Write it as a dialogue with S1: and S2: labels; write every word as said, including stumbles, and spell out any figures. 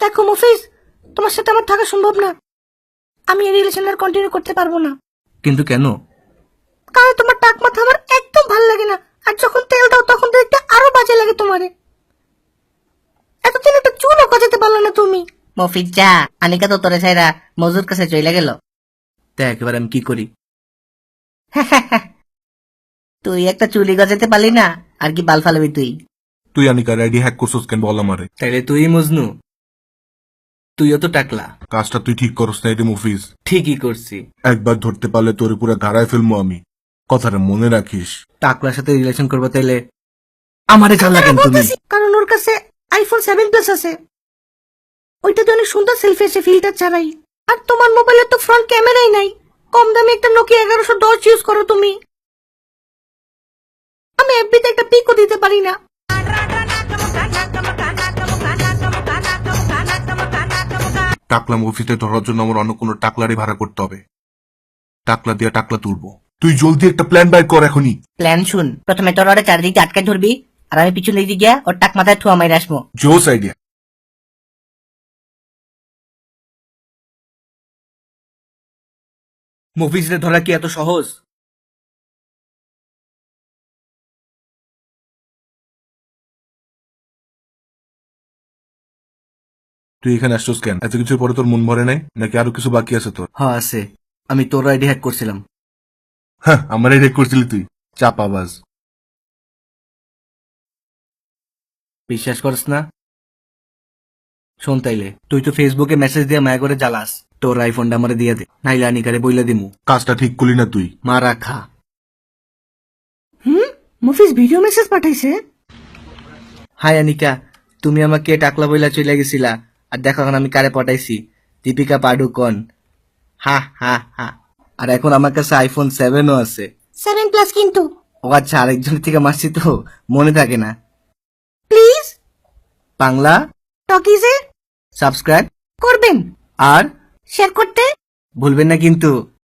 S1: দেখো মফিজ, তোমার সাথে আমার থাকা সম্ভব না। আমি এই রিলেশন আর কন্টিনিউ করতে পারবো না।
S2: কিন্তু কেন?
S1: কারণ তোমার টাক মাথা আমার একদম ভালো লাগে না, আর যখন তেল দাও তখন দেখতে আরো বাজে লাগে তোমারে। এতদিন একটা চুলও গজাতে পারলো না তুমি।
S3: মফিজ যা, আনিকা তো তোরে ছাইরা মজুর কাছে চলে গেল।
S2: দেখ এবার আমি কি করি।
S3: তুই একটা চুলি গজাতে পারলি না, আর কি বাল ফালাবি তুই?
S4: তুই আনিকার আইডি হ্যাক করছস কেন বল আমারে?
S2: তাইলে তুই মজনু, তুইও তো টাকলা।
S4: কাজটা তুই ঠিক করস না এটি মুফিজ।
S2: ঠিকই করছি।
S4: একবার ধরতে পারলে তোর পুরো গাড়ায় ফেলবো আমি, কথাটা মনে রাখিস।
S2: টাকলার সাথে রিলেশন করবো তাইলে আমারে চাল লাগেন তুমি।
S1: কারণ ওর কাছে আইফোন সেভেন প্লাস আছে, ওইটাতে অনেক সুন্দর সেলফি আছে ফিল্টার ছাড়াই। আর তোমার মোবাইলে তো ফ্রন্ট ক্যামেরাই নাই, কম দামে একটা নোকিয়া এগারোশো দশ ইউজ করো তুমি। আমি এফবিতে একটা পিকও দিতে পারি না।
S4: টাকলা মুফিজে ধরার জন্য আমার অন্য কোনো টাকলারই ভাড়া করতে হবে। টাকলা দিয়া টাকলা তুলবো। তুই জলদি একটা প্ল্যান বাইর কর এখনই।
S3: প্ল্যান শুন, প্রথমে তোর ওরে চারিদিকে আটকে ধরবি, আর আমি পিছন দিকে গিয়া ওর টাক মাথায় ঠুয়া মাইরে আসবো।
S4: জোস আইডিয়া।
S2: মুভিজে ধরা কি এত সহজ?
S4: তুই এখানে আসছস কেন? এত কিছুর পরে তোর মন ভরে নাই নাকি আরো কিছু বাকি আছে তোর?
S2: হ্যাঁ আছে, আমি তোর আইডি হ্যাক করছিলাম।
S4: হ্যাঁ, আমার রেক করছিলি তুই, চাপাবাজ।
S2: বিশ্বাস করস না? শোন তাইলে, তুই তো ফেসবুকে মেসেজ দিয়ে মায়া করে জ্বালাস, তোর আইফোনটা আমারে দিয়ে দে, নাইলে আনিকারে বইলা দিমু।
S4: কাজটা ঠিক করলি না তুই।
S2: মা রাখা।
S1: হুম, মফিজ ভিডিও মেসেজ পাঠাইছে।
S2: হাই আনিকা, তুমি আমাকে টাকলা বইলা চলে গেছিলা, আর দেখো এখন আমি কারে পটাইছি, দীপিকা পাডুকন। হা হা হা। আর এখন আমার কাছে আইফোন সেভেনও আছে।
S1: সেভেন প্লাস কিন্তু।
S2: ও আচ্ছা, আরেকজন থেকে মারছি তো মনে থাকে না।
S1: প্লিজ
S2: বাংলা
S1: টকিজে
S2: সাবস্ক্রাইব
S1: করবেন,
S2: আর
S1: শেয়ার করতে
S2: ভুলবেন না কিন্তু।